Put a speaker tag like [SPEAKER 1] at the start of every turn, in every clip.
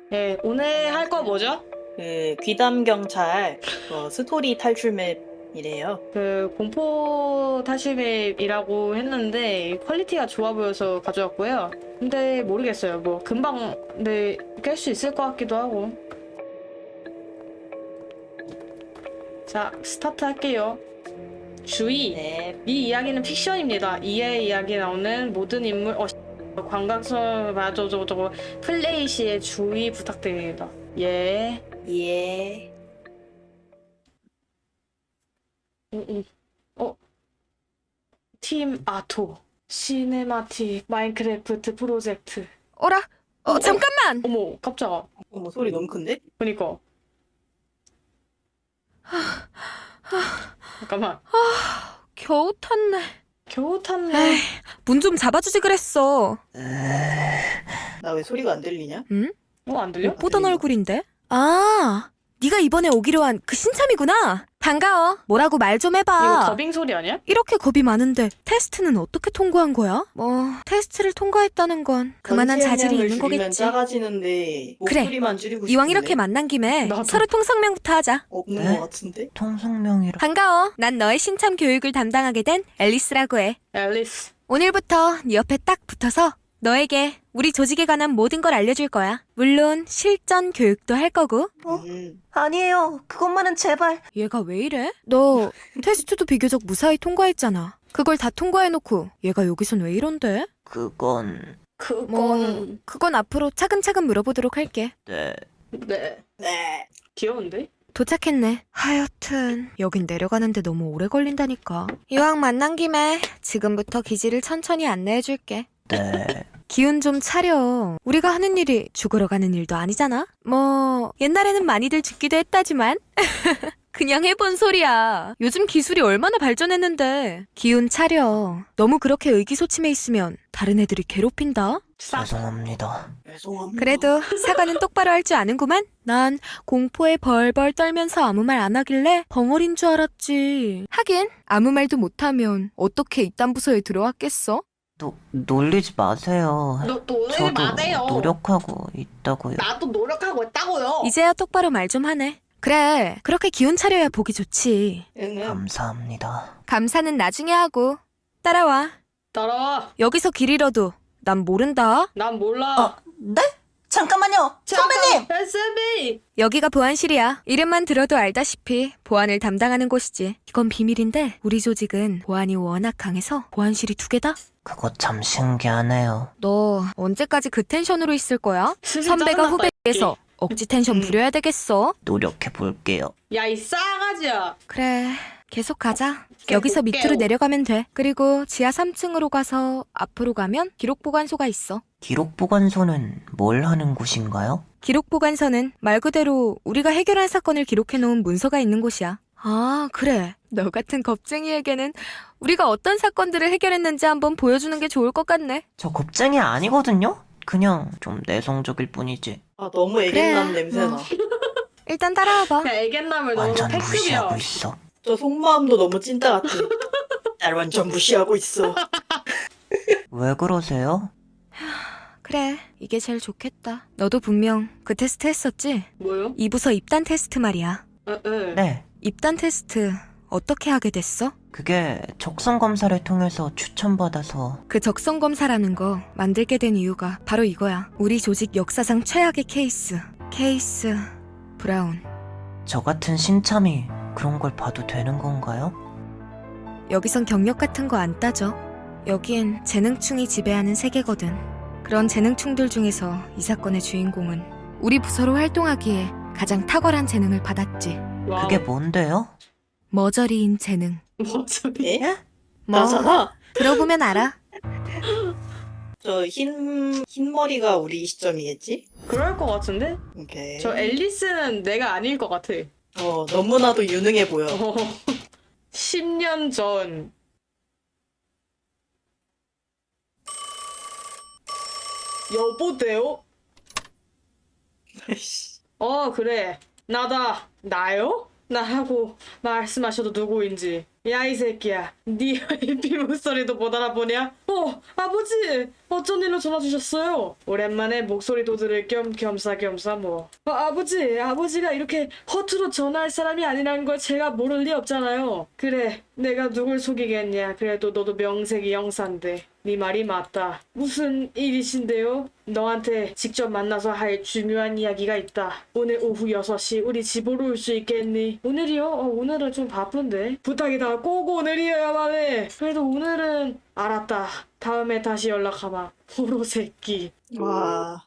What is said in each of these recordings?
[SPEAKER 1] 네, 오늘 할 거 뭐죠?
[SPEAKER 2] 그 귀담 경찰 스토리 탈출 맵이래요.
[SPEAKER 1] 그 공포 타시맵이라고 했는데 퀄리티가 좋아 보여서 가져왔고요. 근데 모르겠어요. 뭐 금방 깰 수 있을 것 같기도 하고. 자, 스타트 할게요. 주의!
[SPEAKER 2] 네.
[SPEAKER 1] 이 이야기는 픽션입니다. 이의 이야기 나오는 모든 인물, 관광선, 저거, 플레이 시에 주의 부탁드립니다. 예.
[SPEAKER 2] 예.
[SPEAKER 1] 어? 팀 아토, 시네마틱, 마인크래프트 프로젝트.
[SPEAKER 3] 어라? 잠깐만!
[SPEAKER 1] 어머, 깜짝아.
[SPEAKER 2] 어머 소리 너무 큰데?
[SPEAKER 1] 그니까. 잠깐만.
[SPEAKER 3] 겨우 탔네.
[SPEAKER 1] 겨우 탔네.
[SPEAKER 3] 에이, 문 좀 잡아주지 그랬어.
[SPEAKER 2] 나 왜 소리가 안 들리냐?
[SPEAKER 3] 응?
[SPEAKER 1] 안 들려?
[SPEAKER 3] 못 보던
[SPEAKER 2] 들려.
[SPEAKER 3] 얼굴인데? 아, 네가 이번에 오기로 한 그 신참이구나. 반가워. 뭐라고 말 좀
[SPEAKER 1] 이거
[SPEAKER 3] 해봐.
[SPEAKER 1] 더빙 소리 아니야?
[SPEAKER 3] 이렇게 겁이 많은데 테스트는 어떻게 통과한 거야? 뭐 테스트를 통과했다는 건 그만한 자질이 있는
[SPEAKER 2] 줄이면
[SPEAKER 3] 거겠지.
[SPEAKER 2] 작아지는데
[SPEAKER 3] 그래.
[SPEAKER 2] 목소리만 줄이고
[SPEAKER 3] 이왕
[SPEAKER 2] 싶은데
[SPEAKER 3] 이렇게 만난 김에
[SPEAKER 1] 나도.
[SPEAKER 3] 서로 통성명부터 하자.
[SPEAKER 2] 없는
[SPEAKER 4] 네?
[SPEAKER 2] 것 같은데?
[SPEAKER 4] 통성명이라.
[SPEAKER 3] 반가워. 난 너의 신참 교육을 담당하게 된 앨리스라고 해.
[SPEAKER 1] 앨리스.
[SPEAKER 3] 오늘부터 네 옆에 딱 붙어서 너에게 우리 조직에 관한 모든 걸 알려줄 거야. 물론 실전 교육도 할 거고.
[SPEAKER 4] 아니에요. 그것만은 제발.
[SPEAKER 3] 얘가 왜 이래? 너 테스트도 비교적 무사히 통과했잖아. 그걸 다 통과해놓고 얘가 여기선 왜 이런데?
[SPEAKER 4] 그건
[SPEAKER 3] 그건 앞으로 차근차근 물어보도록 할게.
[SPEAKER 4] 네.
[SPEAKER 1] 네.
[SPEAKER 2] 네.
[SPEAKER 1] 귀여운데?
[SPEAKER 3] 도착했네. 하여튼 여긴 내려가는데 너무 오래 걸린다니까. 이왕 만난 김에 지금부터 기지를 천천히 안내해줄게.
[SPEAKER 4] 네.
[SPEAKER 3] 기운 좀 차려. 우리가 하는 일이 죽으러 가는 일도 아니잖아? 뭐 옛날에는 많이들 죽기도 했다지만 그냥 해본 소리야. 요즘 기술이 얼마나 발전했는데. 기운 차려. 너무 그렇게 의기소침해 있으면 다른 애들이 괴롭힌다?
[SPEAKER 4] 죄송합니다.
[SPEAKER 2] 죄송합니다.
[SPEAKER 3] 그래도 사과는 똑바로 할 줄 아는구만? 난 공포에 벌벌 떨면서 아무 말 안 하길래 벙어린 줄 알았지. 하긴 아무 말도 못하면 어떻게 이딴 부서에 들어왔겠어?
[SPEAKER 4] 놀리지 마세요.
[SPEAKER 1] 노리지
[SPEAKER 4] 저도
[SPEAKER 1] 마세요.
[SPEAKER 4] 노력하고 있다고요.
[SPEAKER 1] 나도 노력하고 있다고요.
[SPEAKER 3] 이제야 똑바로 말 좀 하네. 그래, 그렇게 기운 차려야 보기 좋지.
[SPEAKER 2] 응.
[SPEAKER 4] 감사합니다.
[SPEAKER 3] 감사는 나중에 하고. 따라와.
[SPEAKER 1] 따라와.
[SPEAKER 3] 여기서 길 잃어도 난 모른다.
[SPEAKER 1] 난 몰라.
[SPEAKER 4] 네? 잠깐만요. 선배님!
[SPEAKER 1] 선배님!
[SPEAKER 3] 여기가 보안실이야. 이름만 들어도 알다시피 보안을 담당하는 곳이지. 이건 비밀인데 우리 조직은 보안이 워낙 강해서 보안실이 2개다?
[SPEAKER 4] 그거 참 신기하네요.
[SPEAKER 3] 너 언제까지 그 텐션으로 있을 거야?
[SPEAKER 1] 슬슬
[SPEAKER 3] 선배가
[SPEAKER 1] 짜증났다,
[SPEAKER 3] 후배에서 억지 텐션 부려야 되겠어.
[SPEAKER 4] 노력해 볼게요.
[SPEAKER 1] 야, 이 싸가지야.
[SPEAKER 3] 그래, 계속 가자.
[SPEAKER 1] 깨워,
[SPEAKER 3] 여기서 밑으로
[SPEAKER 1] 깨워.
[SPEAKER 3] 내려가면 돼. 그리고 지하 3층으로 가서 앞으로 가면 기록보관소가 있어.
[SPEAKER 4] 기록보관소는 뭘 하는 곳인가요?
[SPEAKER 3] 기록보관서는 말 그대로 우리가 해결한 사건을 기록해놓은 문서가 있는 곳이야. 아, 그래. 너 같은 겁쟁이에게는 우리가 어떤 사건들을 해결했는지 한번 보여주는 게 좋을 것 같네.
[SPEAKER 4] 저 겁쟁이 아니거든요? 그냥 좀 내성적일 뿐이지.
[SPEAKER 2] 아 너무 애견남
[SPEAKER 3] 그래.
[SPEAKER 2] 냄새나.
[SPEAKER 3] 일단 따라와봐.
[SPEAKER 1] 야, 애견남을 너무
[SPEAKER 4] 완전
[SPEAKER 1] 패급이야.
[SPEAKER 4] 무시하고 있어.
[SPEAKER 2] 저 속마음도 너무 찐따 같아. 날 완전 무시하고 있어.
[SPEAKER 4] 왜 그러세요?
[SPEAKER 3] 그래, 이게 제일 좋겠다. 너도 분명 그 테스트 했었지?
[SPEAKER 1] 뭐요?
[SPEAKER 3] 이 부서 입단 테스트 말이야.
[SPEAKER 1] 네.
[SPEAKER 4] 네.
[SPEAKER 3] 입단 테스트 어떻게 하게 됐어?
[SPEAKER 4] 그게 적성 검사를 통해서 추천받아서
[SPEAKER 3] 그 적성 검사라는 거 만들게 된 이유가 바로 이거야. 우리 조직 역사상 최악의 케이스 브라운.
[SPEAKER 4] 저 같은 신참이 그런 걸 봐도 되는 건가요?
[SPEAKER 3] 여기선 경력 같은 거 안 따져. 여긴 재능충이 지배하는 세계거든. 그런 재능충들 중에서 이 사건의 주인공은 우리 부서로 활동하기에 가장 탁월한 재능을 받았지.
[SPEAKER 1] 와우.
[SPEAKER 4] 그게 뭔데요?
[SPEAKER 3] 머저리인 재능.
[SPEAKER 1] 뭐지?
[SPEAKER 2] 예?
[SPEAKER 3] 뭐
[SPEAKER 2] 나잖아.
[SPEAKER 3] 들어보면 알아.
[SPEAKER 2] 저 흰머리가 우리 시점이겠지?
[SPEAKER 1] 그럴 것 같은데?
[SPEAKER 2] 오케이.
[SPEAKER 1] 저 앨리스는 내가 아닐 것 같아.
[SPEAKER 2] 너무나도 유능해 보여.
[SPEAKER 1] 10년 전. 여보세요? 그래. 나다. 나요? 나하고 말씀하셔도 누구인지. 야, 이 새끼야. 네 IP 목소리도 못 알아보냐? 아버지! 어쩐 일로 전화 주셨어요? 오랜만에 목소리도 들을 겸 겸사겸사 뭐. 아버지가 이렇게 허투루 전화할 사람이 아니라는 걸 제가 모를 리 없잖아요. 그래, 내가 누굴 속이겠냐. 그래도 너도 명색이 영사인데. 네 말이 맞다. 무슨 일이신데요? 너한테 직접 만나서 할 중요한 이야기가 있다. 오늘 오후 6시 우리 집으로 올 수 있겠니? 오늘이요? 오늘은 좀 바쁜데. 부탁이다. 꼭 오늘이어야만 해. 그래도 오늘은 알았다. 다음에 다시 연락하마. 호로 새끼.
[SPEAKER 2] 와.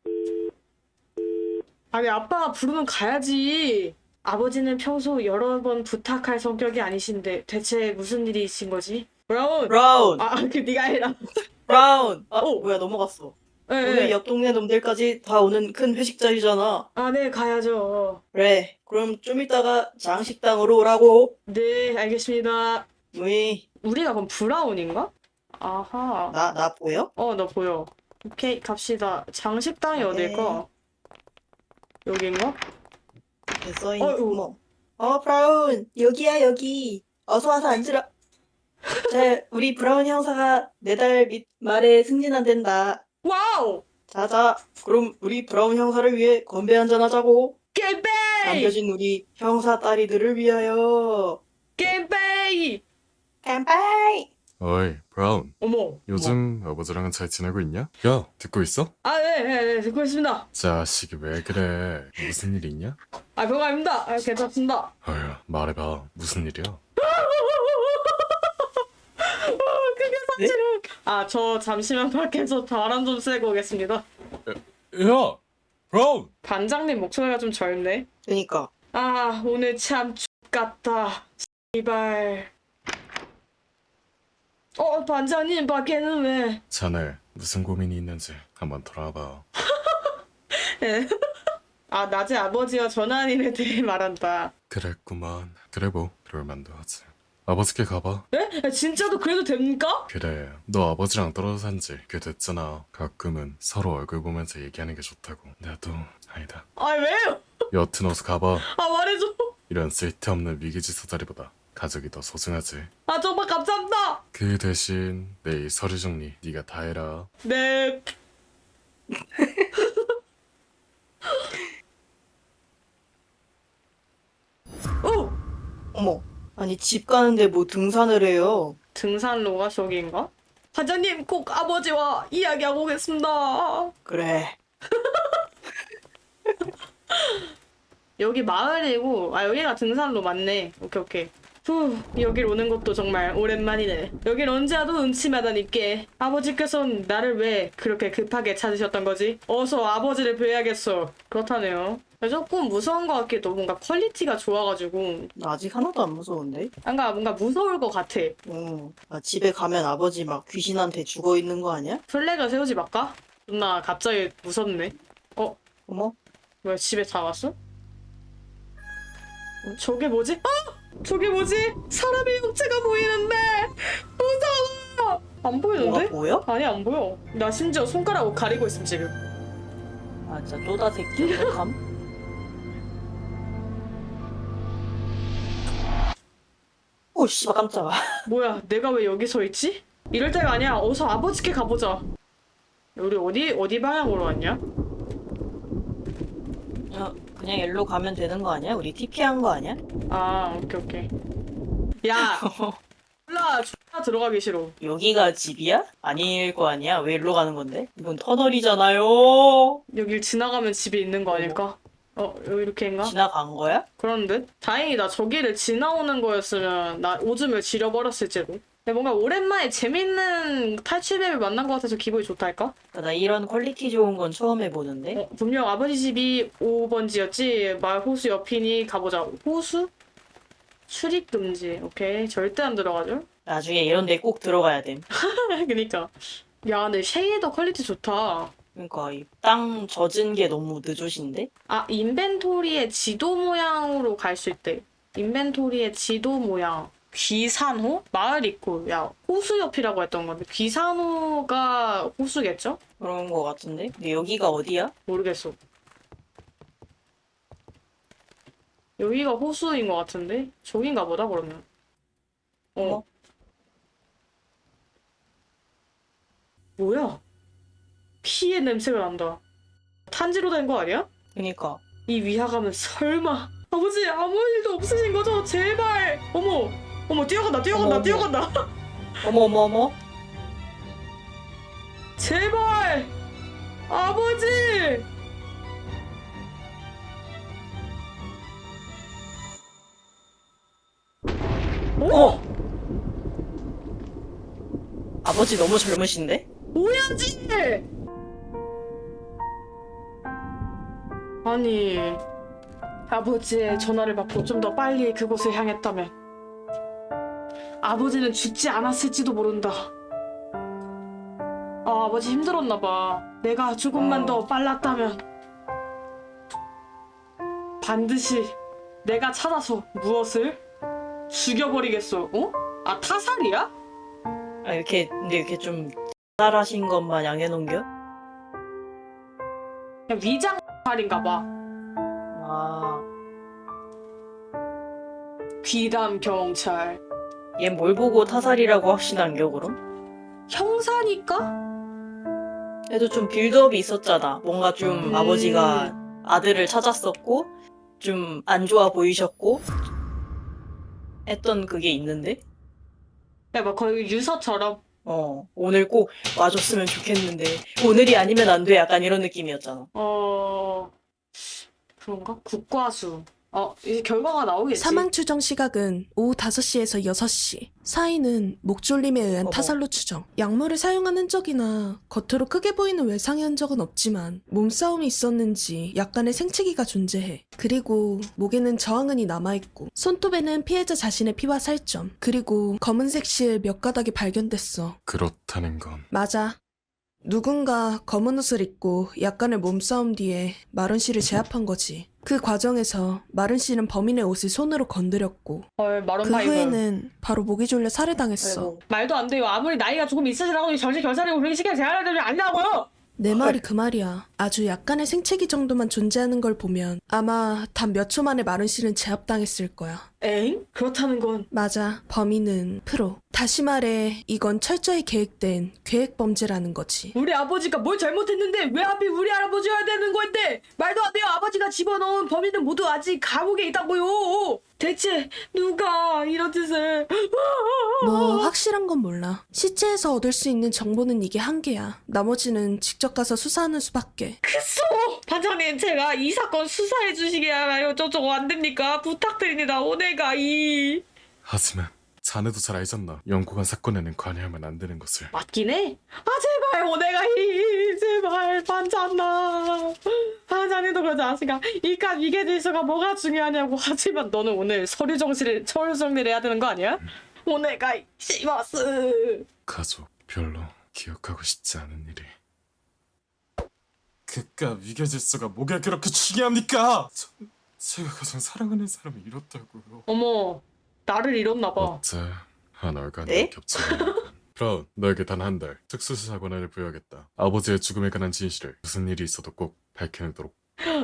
[SPEAKER 1] 아니 아빠가 부르면 가야지. 아버지는 평소 여러 번 부탁할 성격이 아니신데 대체 무슨 일이신 거지? 브라운!
[SPEAKER 2] 브라운!
[SPEAKER 1] 네가 해라.
[SPEAKER 2] 브라운!
[SPEAKER 1] 오.
[SPEAKER 2] 뭐야, 넘어갔어.
[SPEAKER 1] 네,
[SPEAKER 2] 오늘 옆 동네 놈들까지 다 오는 큰 회식 자리잖아.
[SPEAKER 1] 네, 가야죠.
[SPEAKER 2] 그래, 그럼 좀 이따가 장식당으로 오라고.
[SPEAKER 1] 네, 알겠습니다.
[SPEAKER 2] 우이,
[SPEAKER 1] 우리가 그럼 브라운인가? 아하.
[SPEAKER 2] 나 보여?
[SPEAKER 1] 너 보여. 오케이, 갑시다. 장식당이
[SPEAKER 2] 네.
[SPEAKER 1] 어딜까? 여긴가?
[SPEAKER 2] 됐어인
[SPEAKER 1] 어이구.
[SPEAKER 2] 구멍. 브라운, 여기야, 여기. 어서 와서 앉으라. 자, 우리 브라운 형사가 내달 말에 승진한댄다.
[SPEAKER 1] 와우!
[SPEAKER 2] 자자, 그럼 우리 브라운 형사를 위해 건배 한잔 하자고.
[SPEAKER 1] 겜베이!
[SPEAKER 2] 남겨진 우리 형사 딸이들을 위하여.
[SPEAKER 1] 겜베이!
[SPEAKER 2] 깜빡이.
[SPEAKER 5] 어이, 브라운.
[SPEAKER 1] 어머.
[SPEAKER 5] 요즘 아버지랑은 잘 지내고 있냐? 야, 듣고 있어?
[SPEAKER 1] 네, 듣고 있습니다.
[SPEAKER 5] 자식이 왜 그래? 무슨 일 있냐?
[SPEAKER 1] 별거 아닙니다. 괜찮습니다.
[SPEAKER 5] 어휴, 말해봐. 무슨 일이야?
[SPEAKER 2] 네?
[SPEAKER 1] 저 잠시만 밖에서 바람 좀 쐬고 오겠습니다.
[SPEAKER 5] 야! 브라운!
[SPEAKER 1] 반장님 목소리가 좀 젊네.
[SPEAKER 2] 그니까.
[SPEAKER 1] 오늘 참 X같다. 씨발. 반장님 밖에는 왜?
[SPEAKER 5] 자네, 무슨 고민이 있는지 한번 돌아봐.
[SPEAKER 1] 낮에 아버지와 전화한 일에 대해 말한다.
[SPEAKER 5] 그랬구만. 그래 뭐, 그럴만도 하지. 아버지께 가봐.
[SPEAKER 1] 네? 진짜도 그래도 됩니까?
[SPEAKER 5] 그래, 너 아버지랑 떨어져 산지 꽤 됐잖아. 가끔은 서로 얼굴 보면서 얘기하는 게 좋다고. 나도 아니다.
[SPEAKER 1] 왜요?
[SPEAKER 5] 여튼 어서 가봐.
[SPEAKER 1] 말해줘.
[SPEAKER 5] 이런 쓸데없는 위기지수 자리보다 가족이 더 소중하지.
[SPEAKER 1] 정말 감사합니다.
[SPEAKER 5] 그 대신 내일 서류 정리 네가 다 해라.
[SPEAKER 1] 네.
[SPEAKER 2] 어머, 아니 집 가는데 뭐 등산을 해요.
[SPEAKER 1] 등산로가 저기인가? 반장님 꼭 아버지와 이야기하고 오겠습니다.
[SPEAKER 2] 그래.
[SPEAKER 1] 여기 마을이고 여기가 등산로 맞네. 오케이. 여길 오는 것도 정말 오랜만이네. 여길 언제 와도 음침하다니께. 아버지께서는 나를 왜 그렇게 급하게 찾으셨던 거지? 어서 아버지를 뵈야겠어. 그렇다네요. 조금 무서운 것 같기도. 뭔가 퀄리티가 좋아가지고
[SPEAKER 2] 나 아직 하나도 안 무서운데?
[SPEAKER 1] 뭔가 무서울 것 같아.
[SPEAKER 2] 집에 가면 아버지 막 귀신한테 죽어 있는 거 아니야?
[SPEAKER 1] 플래그 세우지 말까? 누나 갑자기 무섭네.
[SPEAKER 2] 어머,
[SPEAKER 1] 뭐야, 집에 다 왔어? 저게 뭐지? 저게 뭐지? 사람의 형체가 보이는데 무서워. 안 보이는데?
[SPEAKER 2] 뭐가 보여?
[SPEAKER 1] 아니 안 보여. 나 심지어 손가락으로 가리고 있음 지금.
[SPEAKER 2] 진짜 쪼다 새끼 어떡함? 오 씨발 깜짝아.
[SPEAKER 1] 뭐야, 내가 왜 여기 서 있지? 이럴 때가 아니야. 어서 아버지께 가보자. 우리 어디 방향으로 왔냐?
[SPEAKER 2] 그냥 일로 가면 되는 거 아니야? 우리 TP한 거 아니야?
[SPEAKER 1] 오케이. 야, 몰라. X나 들어가기 싫어.
[SPEAKER 2] 여기가 집이야? 아닐 거 아니야? 왜 일로 가는 건데? 이건 터널이잖아요.
[SPEAKER 1] 여길 지나가면 집이 있는 거 아닐까? 여기 이렇게인가?
[SPEAKER 2] 지나간 거야?
[SPEAKER 1] 그런데 다행이다. 저기를 지나오는 거였으면 나 오줌을 지려버렸을지도. 근데 뭔가 오랜만에 재밌는 탈출맵을 만난 것 같아서 기분이 좋달까?
[SPEAKER 2] 나 이런 퀄리티 좋은 건 처음 해보는데.
[SPEAKER 1] 분명 아버지 집이 5번지였지. 마을 호수 옆이니 가보자. 호수? 출입 금지. 오케이. 절대 안 들어가죠?
[SPEAKER 2] 나중에 이런 데 꼭 들어가야 됨.
[SPEAKER 1] 그니까. 야, 근데 쉐이더 퀄리티 좋다.
[SPEAKER 2] 그러니까 이 땅 젖은 게 너무 느조신데?
[SPEAKER 1] 인벤토리의 지도 모양으로 갈 수 있대. 인벤토리의 지도 모양. 귀산호? 마을 있고, 야, 호수 옆이라고 했던 건데, 귀산호가 호수겠죠?
[SPEAKER 2] 그런 거 같은데? 근데 여기가 어디야?
[SPEAKER 1] 모르겠어. 여기가 호수인 것 같은데? 저긴가 보다, 그러면.
[SPEAKER 2] 어?
[SPEAKER 1] 뭐야? 피의 냄새가 난다. 탄지로 된 거 아니야?
[SPEAKER 2] 그니까.
[SPEAKER 1] 이 위화감은 설마 아버지 아무 일도 없으신 거죠? 제발. 어머 어머 뛰어간다 뛰어간다
[SPEAKER 2] 어머,
[SPEAKER 1] 뛰어간다.
[SPEAKER 2] 어머.
[SPEAKER 1] 제발 아버지.
[SPEAKER 2] 어! 아버지 너무 젊으신데?
[SPEAKER 1] 오야지. 아니 아버지의 전화를 받고 좀 더 빨리 그곳을 향했다면 아버지는 죽지 않았을지도 모른다. 아, 아버지 힘들었나 봐. 내가 조금만 더 빨랐다면 반드시 내가 찾아서 무엇을 죽여버리겠어. 어? 아 타살이야?
[SPEAKER 2] 아, 근데 이렇게 좀 잘하신 것만 양해놓은겨?
[SPEAKER 1] 그냥 위장 살인가 봐.
[SPEAKER 2] 아,
[SPEAKER 1] 귀담 경찰.
[SPEAKER 2] 얘 뭘 보고 타살이라고 확신한겨, 그럼?
[SPEAKER 1] 형사니까?
[SPEAKER 2] 그래도 좀 빌드업이 있었잖아. 뭔가 좀 아버지가 아들을 찾았었고, 좀 안 좋아 보이셨고, 했던 그게 있는데?
[SPEAKER 1] 야, 막 거의 유서처럼.
[SPEAKER 2] 오늘 꼭 와줬으면 좋겠는데, 오늘이 아니면 안 돼. 약간 이런 느낌이었잖아.
[SPEAKER 1] 그런가? 국과수. 이제 결과가 나오겠지.
[SPEAKER 6] 사망 추정 시각은 오후 5시에서 6시. 사인은 목졸림에 의한
[SPEAKER 2] 어머.
[SPEAKER 6] 타살로 추정. 약물을 사용한 흔적이나 겉으로 크게 보이는 외상의 흔적은 없지만 몸싸움이 있었는지 약간의 생채기가 존재해. 그리고 목에는 저항은이 남아있고 손톱에는 피해자 자신의 피와 살점 그리고 검은색 실 몇 가닥이 발견됐어.
[SPEAKER 5] 그렇다는 건
[SPEAKER 6] 맞아. 누군가 검은 옷을 입고 약간의 몸싸움 뒤에 마른 씨를 제압한 거지. 그 과정에서 마른 씨는 범인의 옷을 손으로 건드렸고
[SPEAKER 1] 헐, 마론
[SPEAKER 6] 그
[SPEAKER 1] 파이브.
[SPEAKER 6] 후에는 바로 목이 졸려 살해당했어.
[SPEAKER 2] 아이고.
[SPEAKER 1] 말도 안 돼요. 아무리 나이가 조금 있으시라고 정신 결사리고 그렇게 시간을 제한할 되면 아니라고요.
[SPEAKER 6] 내 말이 그 말이야. 아주 약간의 생채기 정도만 존재하는 걸 보면 아마 단 몇 초 만에 마른 씨는 제압당했을 거야.
[SPEAKER 1] 엥? 그렇다는 건
[SPEAKER 6] 맞아. 범인은 프로. 다시 말해 이건 철저히 계획된 계획 범죄라는 거지.
[SPEAKER 1] 우리 아버지가 뭘 잘못했는데 왜 하필 우리 할아버지여야 되는 건데? 말도 안 돼요. 아버지가 집어넣은 범인은 모두 아직 감옥에 있다고요. 대체 누가 이런 짓을?
[SPEAKER 6] 뭐 확실한 건 몰라. 시체에서 얻을 수 있는 정보는 이게 한계야. 나머지는 직접 가서 수사하는 수밖에.
[SPEAKER 1] 그소! 반장님, 제가 이 사건 수사해 주시기 하나요? 저쪽 안 됩니까? 부탁드립니다. 오네가이.
[SPEAKER 5] 하지만 자네도 잘 알잖아. 영국한 사건에는 관여하면 안 되는 것을.
[SPEAKER 1] 맞긴 해. 아 제발 오네가이 제발 반장나. 반장님도 그러지 않으니까 이깟 이게 질서가 뭐가 중요하냐고. 하지만 너는 오늘 서류 정리를 해야 되는 거 아니야? 오네가이 시마스.
[SPEAKER 5] 가족 별로 기억하고 싶지 않은 일이. 그깟 위계 질서가 뭐가 그렇게 중요합니까? 제가 가장 사랑하는 사람을 잃었다고요.
[SPEAKER 1] 어머, 나를 잃었나 봐.
[SPEAKER 5] 어째 한 얼간이
[SPEAKER 2] 네?
[SPEAKER 5] 겹치는. 브라운, 너에게 단 한 달 특수수사 권한을 부여하겠다. 아버지의 죽음에 관한 진실을 무슨 일이 있어도 꼭 밝혀내도록.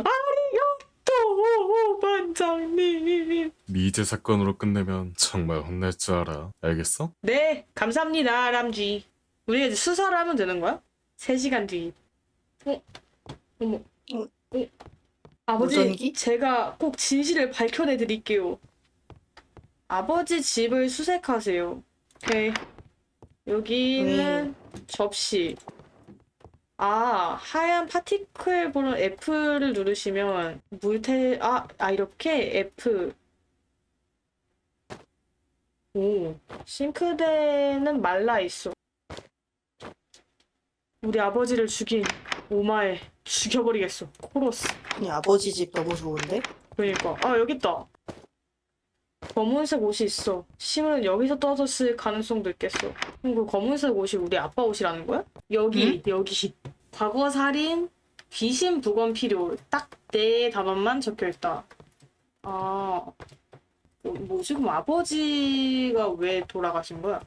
[SPEAKER 1] 또 반장님.
[SPEAKER 5] 미제 사건으로 끝내면 정말 혼날 줄 알아. 알겠어?
[SPEAKER 1] 네, 감사합니다, 람쥐. 우리가 이제 수사를 하면 되는 거야? 3시간 뒤. 어머. 아버지,
[SPEAKER 2] 무전기?
[SPEAKER 1] 제가 꼭 진실을 밝혀내 드릴게요. 아버지 집을 수색하세요. 오케이. 여기는 접시. 하얀 파티클 보는 F를 누르시면 이렇게 F. 오, 싱크대는 말라 있어. 우리 아버지를 죽인 오마에 죽여버리겠어. 코러스.
[SPEAKER 2] 아니, 아버지 집 너무 좋은데?
[SPEAKER 1] 그러니까 여기 있다. 검은색 옷이 있어. 심은 여기서 떨어졌을 가능성도 있겠어. 그럼 그 검은색 옷이 우리 아빠 옷이라는 거야? 여기. 과거 살인, 귀신 부검 필요. 딱 네 단어만 적혀있다. 뭐지? 그럼 아버지가 왜 돌아가신 거야?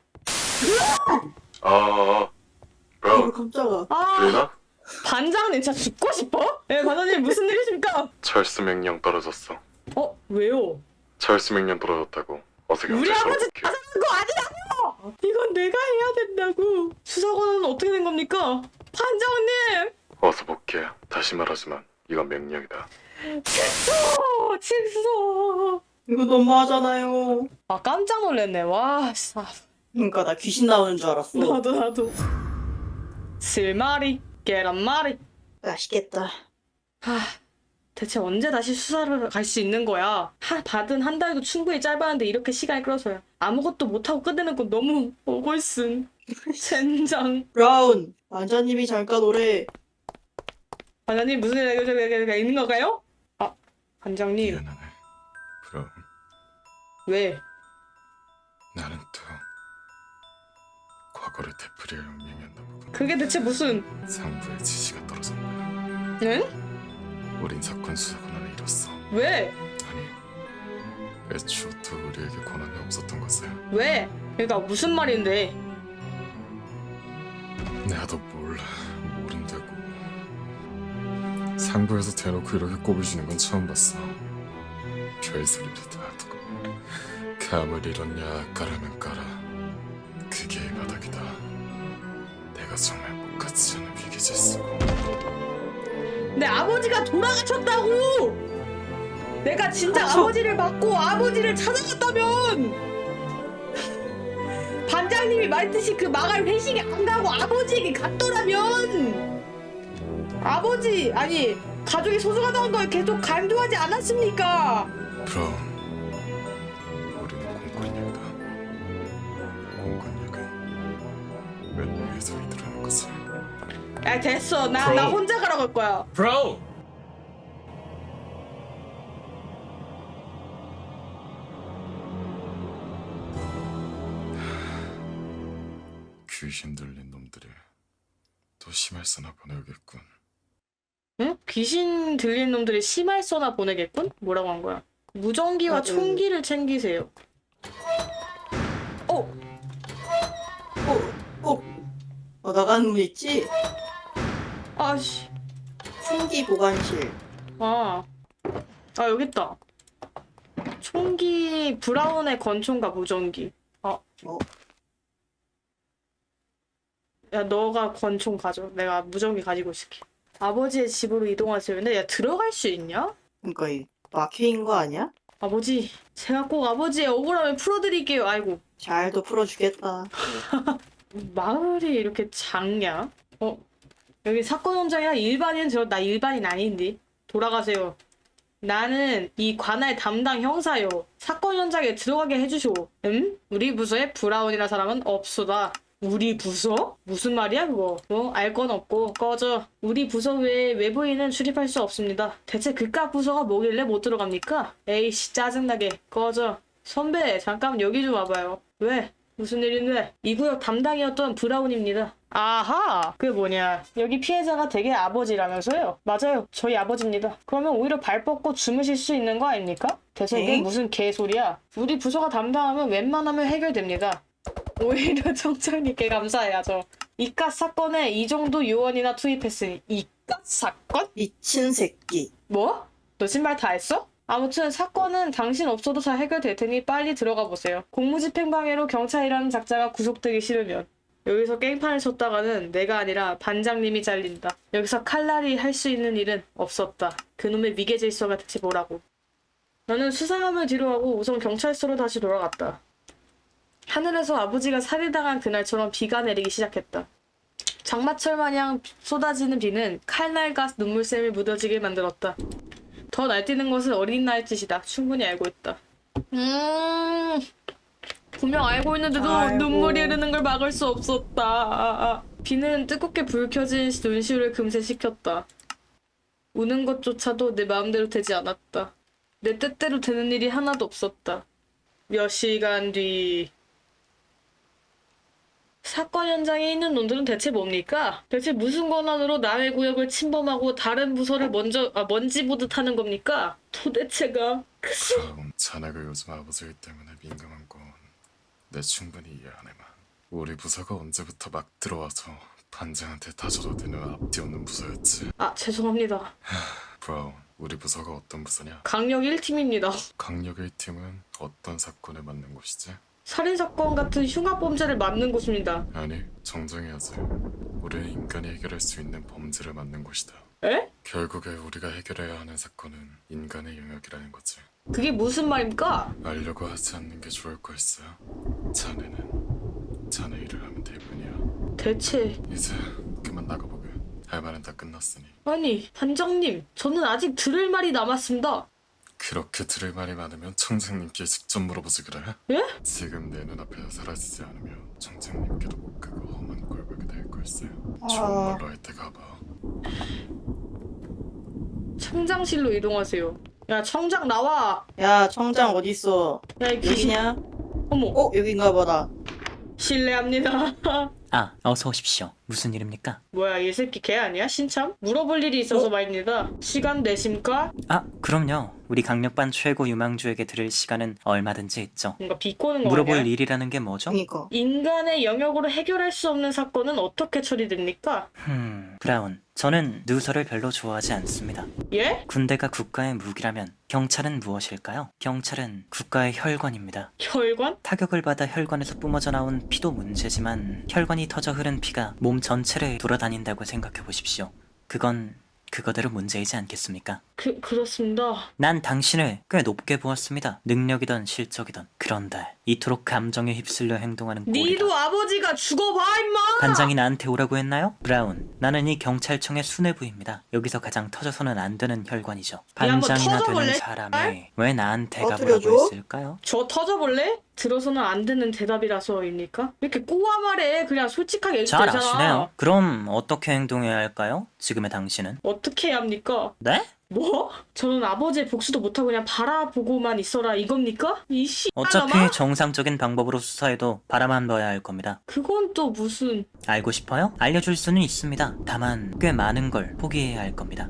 [SPEAKER 2] 깜짝아.
[SPEAKER 1] 반장님 진짜 죽고 싶어? 네, 반장님 무슨 일이십니까?
[SPEAKER 5] 철수 명령 떨어졌어.
[SPEAKER 1] 왜요?
[SPEAKER 5] 철수 명령 떨어졌다고. 어서
[SPEAKER 1] 우리
[SPEAKER 5] 경찰서로
[SPEAKER 1] 아버지
[SPEAKER 5] 복귀해.
[SPEAKER 1] 거 아니라고! 이건 내가 해야 된다고. 수사관은 어떻게 된 겁니까? 반장님!
[SPEAKER 5] 어서 복귀해. 다시 말하지만 이건 명령이다.
[SPEAKER 1] 칠소!
[SPEAKER 2] 이거 너무하잖아요.
[SPEAKER 1] 아, 깜짝 놀랐네. 와, 아,
[SPEAKER 2] 그러니까 나 귀신 나오는 줄 알았어.
[SPEAKER 1] 나도. 실마리, 계란말이.
[SPEAKER 2] 맛있겠다.
[SPEAKER 1] 하, 대체 언제 다시 수사를 갈 수 있는 거야? 받은 한 달도 충분히 짧았는데 이렇게 시간이 끌어서요. 아무것도 못하고 끝내는 건 너무 억울슨. 젠장.
[SPEAKER 2] 브라운, 완자님이 잠깐 오래.
[SPEAKER 1] 반장님 무슨 얘기가 있는 건가요? 아, 반장님
[SPEAKER 5] 미안하네. 브라운,
[SPEAKER 1] 왜?
[SPEAKER 5] 나는 또 과거를 되풀이할 운명이었나 보군.
[SPEAKER 1] 그게 대체 무슨?
[SPEAKER 5] 상부의 지시가 떨어졌네.
[SPEAKER 1] 응?
[SPEAKER 5] 우린 사건 수사 권한을 잃었어.
[SPEAKER 1] 왜?
[SPEAKER 5] 아니, 애초부터 우리에게 권한이 없었던 것을.
[SPEAKER 1] 왜? 그러니까 무슨 말인데?
[SPEAKER 5] 나도 몰라. 모른다고. 상부에서 대놓고 이렇게 꼽을 주는 건 처음 봤어. 별소리를 다 두고 감을 잃었냐 까라면 까라. 그게 이 바닥이다. 내가 정말 목같지 않은 위기질서고.
[SPEAKER 1] 내 아버지가 돌아가셨다고! 내가 진짜
[SPEAKER 2] 그쵸.
[SPEAKER 1] 아버지를 맞고 아버지를 찾아갔다면! 반장님이 말했듯이 그 마을 회식에 안 가고 아버지에게 갔더라면! 아버지, 아니, 가족이 소중하다는 걸 계속 강조하지 않았습니까?
[SPEAKER 5] 브라운, 우리는 공권력이다. 공권력은 맨 위에서 이들하는 것을.
[SPEAKER 1] 야, 됐어. 나 혼자 가라고 할 거야.
[SPEAKER 5] 브라운! 귀신 들린 놈들이 또 심할서나 보내오겠군.
[SPEAKER 1] 응? 귀신 들린 놈들이 심할서나 보내겠군? 뭐라고 한 거야? 무전기와 총기를 챙기세요. 어!
[SPEAKER 2] 나가는 문 있지?
[SPEAKER 1] 아씨.
[SPEAKER 2] 총기 보관실.
[SPEAKER 1] 아, 여기 있다. 총기 브라운의 권총과 무전기. 야, 너가 권총 가져. 내가 무전기 가지고 있을게. 아버지의 집으로 이동하세요. 근데 야, 들어갈 수 있냐?
[SPEAKER 2] 그러니까 이 막혀인 거 아니야?
[SPEAKER 1] 아버지, 제가 꼭 아버지의 억울함을 풀어드릴게요. 아이고,
[SPEAKER 2] 잘도 풀어주겠다.
[SPEAKER 1] 마을이 이렇게 작냐? 여기 사건 현장이야? 나 일반인 아닌데. 돌아가세요. 나는 이 관할 담당 형사요. 사건 현장에 들어가게 해주시오. 우리 부서에 브라운이라 사람은 없소다. 우리 부서? 무슨 말이야 그거? 알 건 없고 꺼져. 우리 부서 외에 외부인은 출입할 수 없습니다. 대체 그깟 부서가 뭐길래 못 들어갑니까? 에이씨 짜증나게 꺼져. 선배 잠깐 여기 좀 와봐요. 왜? 무슨 일인데? 이 구역 담당이었던 브라운입니다. 아하! 그게 뭐냐. 여기 피해자가 댁의 아버지라면서요? 맞아요. 저희 아버지입니다. 그러면 오히려 발 뻗고 주무실 수 있는 거 아닙니까? 대체 이게
[SPEAKER 2] 엥?
[SPEAKER 1] 무슨 개소리야. 우리 부서가 담당하면 웬만하면 해결됩니다. 오히려 청장님께 감사해야죠. 이깟 사건에 이 정도 요원이나 투입했으니 이깟 사건?
[SPEAKER 2] 미친 새끼.
[SPEAKER 1] 뭐? 너 신발 다 했어? 아무튼 사건은 당신 없어도 잘 해결될 테니 빨리 들어가 보세요. 공무집행방해로 경찰이라는 작자가 구속되기 싫으면. 여기서 깽판을 쳤다가는 내가 아니라 반장님이 잘린다. 여기서 칼날이 할 수 있는 일은 없었다. 그놈의 위계질서가 대체 뭐라고. 나는 수상함을 뒤로하고 우선 경찰서로 다시 돌아갔다. 하늘에서 아버지가 살해당한 그날처럼 비가 내리기 시작했다. 장마철 마냥 쏟아지는 비는 칼날과 눈물샘을 묻어지게 만들었다. 더 날뛰는 것은 어린 나의 짓이다. 충분히 알고 있다. 분명 알고 있는데도
[SPEAKER 2] 아이고.
[SPEAKER 1] 눈물이 흐르는 걸 막을 수 없었다. 비는 뜨겁게 불 켜진 눈시울을 금세 식혔다. 우는 것조차도 내 마음대로 되지 않았다. 내 뜻대로 되는 일이 하나도 없었다. 몇 시간 뒤... 사건 현장에 있는 놈들은 대체 뭡니까? 대체 무슨 권한으로 남의 구역을 침범하고 다른 부서를 먼지 보듯 하는 겁니까? 도대체가...
[SPEAKER 5] 브라운, 자네가 요즘 아버지 때문에 민감한 건 내 충분히 이해하네만. 우리 부서가 언제부터 막 들어와서 반장한테 다져도 되는 앞뒤 없는 부서였지.
[SPEAKER 1] 죄송합니다.
[SPEAKER 5] 브라운, 우리 부서가 어떤 부서냐?
[SPEAKER 1] 강력 1팀입니다.
[SPEAKER 5] 강력 1팀은 어떤 사건에 맞는 곳이지?
[SPEAKER 1] 살인사건 같은 흉악범죄를 맡는 곳입니다.
[SPEAKER 5] 아니, 정정해야지. 우리는 인간이 해결할 수 있는 범죄를 맡는 곳이다.
[SPEAKER 1] 에?
[SPEAKER 5] 결국에 우리가 해결해야 하는 사건은 인간의 영역이라는 거지.
[SPEAKER 1] 그게 무슨 말입니까?
[SPEAKER 5] 알려고 하지 않는 게 좋을 걸세. 자네는 자네 일을 하면 될 뿐이야.
[SPEAKER 1] 대체
[SPEAKER 5] 이제 그만 나가보게. 할 말은 다 끝났으니.
[SPEAKER 1] 아니 반장님 저는 아직 들을 말이 남았습니다.
[SPEAKER 5] 그렇게 들을 말이 많으면 청장님께 직접 물어보지 그래?
[SPEAKER 1] 예?
[SPEAKER 5] 지금 내 눈앞에서 사라지지 않으면 청장님께도 못 가고 험한 꼴 보게 될 걸세.
[SPEAKER 2] 아.
[SPEAKER 5] 좋은 말로 할 때 가봐.
[SPEAKER 1] 청장실로 이동하세요. 야 청장 나와.
[SPEAKER 2] 야, 청장 어딨어?
[SPEAKER 1] 야이 귀신.
[SPEAKER 2] 여기냐?
[SPEAKER 1] 어머.
[SPEAKER 2] 어, 여긴가 보다.
[SPEAKER 1] 실례합니다.
[SPEAKER 7] 아, 어서 오십시오. 무슨 일입니까?
[SPEAKER 1] 뭐야 이 새끼 개 아니야? 신참? 물어볼 일이 있어서 말입니다. 시간 되십니까?
[SPEAKER 7] 아, 그럼요. 우리 강력반 최고 유망주에게 드릴 시간은 얼마든지 있죠.
[SPEAKER 1] 뭔가 비꼬는 거
[SPEAKER 7] 물어볼
[SPEAKER 1] 아니야?
[SPEAKER 7] 일이라는 게 뭐죠?
[SPEAKER 2] 그니까.
[SPEAKER 1] 인간의 영역으로 해결할 수 없는 사건은 어떻게 처리됩니까?
[SPEAKER 7] 브라운. 저는 누설을 별로 좋아하지 않습니다.
[SPEAKER 1] 예?
[SPEAKER 7] 군대가 국가의 무기라면 경찰은 무엇일까요? 경찰은 국가의 혈관입니다.
[SPEAKER 1] 혈관?
[SPEAKER 7] 타격을 받아 혈관에서 뿜어져 나온 피도 문제지만 혈관이 터져 흐른 피가 몸 전체를 돌아다닌다고 생각해 보십시오. 그건 그거대로 문제이지 않겠습니까?
[SPEAKER 1] 그렇습니다.
[SPEAKER 7] 난 당신을 꽤 높게 보았습니다. 능력이든 실적이든. 그런데 이토록 감정에 휩쓸려 행동하는 꼴이다.
[SPEAKER 1] 니도 아버지가 죽어봐 임마!
[SPEAKER 7] 반장이 나한테 오라고 했나요? 브라운, 나는 이 경찰청의 수뇌부입니다. 여기서 가장 터져서는 안 되는 혈관이죠.
[SPEAKER 1] 한번
[SPEAKER 7] 반장이나
[SPEAKER 1] 터져볼래?
[SPEAKER 7] 되는 사람이 왜 나한테
[SPEAKER 2] 터뜨려줘?
[SPEAKER 7] 가보라고 했을까요?
[SPEAKER 1] 저 터져볼래? 들어서는 안 되는 대답이라서입니까? 왜 이렇게 꼬아 말해? 그냥 솔직하게 해도
[SPEAKER 7] 잘
[SPEAKER 1] 되잖아.
[SPEAKER 7] 아시네요. 그럼 어떻게 행동해야 할까요? 지금의 당신은?
[SPEAKER 1] 어떻게 해야 합니까?
[SPEAKER 7] 네?
[SPEAKER 1] 뭐? 저는 아버지의 복수도 못하고 그냥 바라보고만 있어라 이겁니까? 이
[SPEAKER 7] 어차피
[SPEAKER 1] 씨발놈아?
[SPEAKER 7] 정상적인 방법으로 수사해도 바라만 봐야 할 겁니다.
[SPEAKER 1] 그건 또 무슨...
[SPEAKER 7] 알고 싶어요? 알려줄 수는 있습니다. 다만 꽤 많은 걸 포기해야 할 겁니다.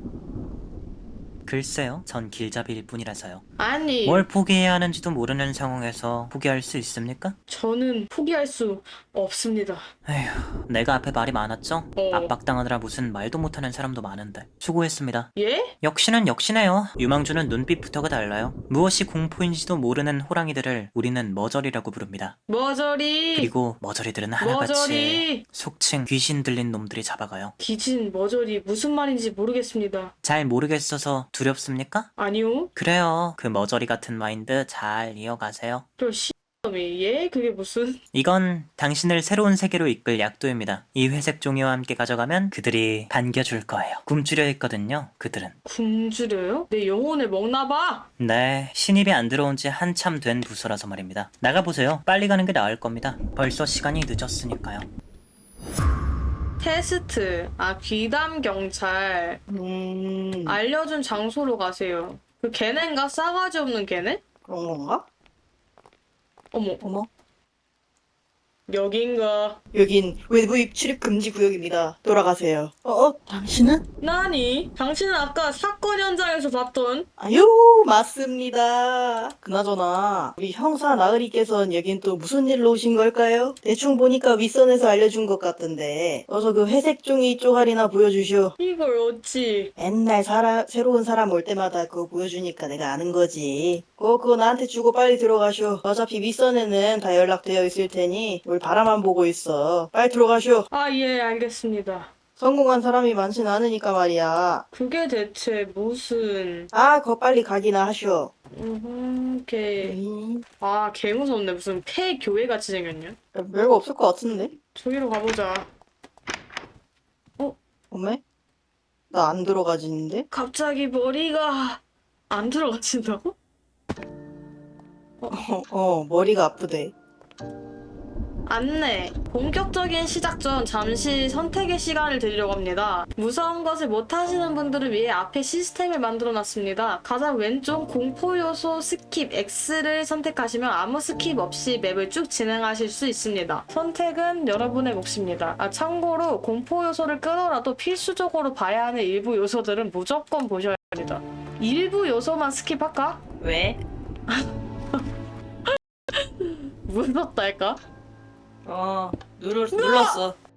[SPEAKER 7] 글쎄요, 전 길잡이일 뿐이라서요.
[SPEAKER 1] 아니...
[SPEAKER 7] 뭘 포기해야 하는지도 모르는 상황에서 포기할 수 있습니까?
[SPEAKER 1] 저는 포기할 수 없습니다.
[SPEAKER 7] 에휴, 내가 앞에 말이 많았죠?
[SPEAKER 1] 어.
[SPEAKER 7] 압박당하느라 무슨 말도 못하는 사람도 많은데 수고했습니다.
[SPEAKER 1] 예?
[SPEAKER 7] 역시는 역시네요. 유망주는 눈빛부터가 달라요. 무엇이 공포인지도 모르는 호랑이들을 우리는 머저리라고 부릅니다.
[SPEAKER 1] 머저리...
[SPEAKER 7] 그리고 머저리들은 하나같이
[SPEAKER 1] 머저리...
[SPEAKER 7] 속칭 귀신 들린 놈들이 잡아가요.
[SPEAKER 1] 기진, 머저리 무슨 말인지 모르겠습니다.
[SPEAKER 7] 잘 모르겠어서 두렵습니까?
[SPEAKER 1] 아니요?
[SPEAKER 7] 그래요. 그 머저리 같은 마인드 잘 이어가세요.
[SPEAKER 1] 저 씨놈이 예? 그게 무슨...
[SPEAKER 7] 이건 당신을 새로운 세계로 이끌 약도입니다. 이 회색 종이와 함께 가져가면 그들이 반겨줄 거예요. 굶주려 있거든요, 그들은.
[SPEAKER 1] 굶주려요? 내 영혼을 먹나봐?
[SPEAKER 7] 네, 신입이 안 들어온 지 한참 된 부서라서 말입니다. 나가보세요. 빨리 가는 게 나을 겁니다. 벌써 시간이 늦었으니까요.
[SPEAKER 1] 테스트. 아, 귀담 경찰. 알려준 장소로 가세요. 그 걔네인가? 싸가지 없는 걔네?
[SPEAKER 2] 그런 건가?
[SPEAKER 1] 어머,
[SPEAKER 2] 어머.
[SPEAKER 1] 여긴가?
[SPEAKER 2] 여긴 외부 출입 금지 구역입니다. 돌아가세요. 당신은?
[SPEAKER 1] 나니? 당신은 아까 사건 현장에서 봤던
[SPEAKER 2] 아유, 맞습니다. 그나저나 우리 형사 나으리께서는 여긴 또 무슨 일로 오신 걸까요? 대충 보니까 윗선에서 알려준 것 같던데 어서 그 회색 종이 쪼가리나 보여주시오.
[SPEAKER 1] 이걸 어찌...
[SPEAKER 2] 맨날 새로운 사람 올 때마다 그거 보여주니까 내가 아는 거지. 그거 나한테 주고 빨리 들어가시오. 어차피 윗선에는 다 연락되어 있을 테니 뭘 바라만 보고 있어. 빨리 들어가시오.
[SPEAKER 1] 아, 예, 알겠습니다.
[SPEAKER 2] 성공한 사람이 많진 않으니까 말이야.
[SPEAKER 1] 그게 대체 무슨...
[SPEAKER 2] 그거 빨리 가기나 하시오.
[SPEAKER 1] 개... 아, 개 무섭네. 무슨 폐교회같이 생겼냐?
[SPEAKER 2] 별거 없을 것 같은데?
[SPEAKER 1] 저기로 가보자.
[SPEAKER 2] 어메? 나 안 들어가지는데?
[SPEAKER 1] 갑자기 머리가 안 들어가진다고?
[SPEAKER 2] 머리가 아프대.
[SPEAKER 1] 안내. 본격적인 시작 전 잠시 선택의 시간을 드리려고 합니다. 무서운 것을 못하시는 분들을 위해 앞에 시스템을 만들어 놨습니다. 가장 왼쪽 공포 요소 스킵 X를 선택하시면 아무 스킵 없이 맵을 쭉 진행하실 수 있습니다. 선택은 여러분의 몫입니다. 참고로 공포 요소를 끊어라도 필수적으로 봐야 하는 일부 요소들은 무조건 보셔야 합니다. 일부 요소만 스킵할까?
[SPEAKER 2] 왜?
[SPEAKER 1] 무섭달까?
[SPEAKER 2] 눌렀어.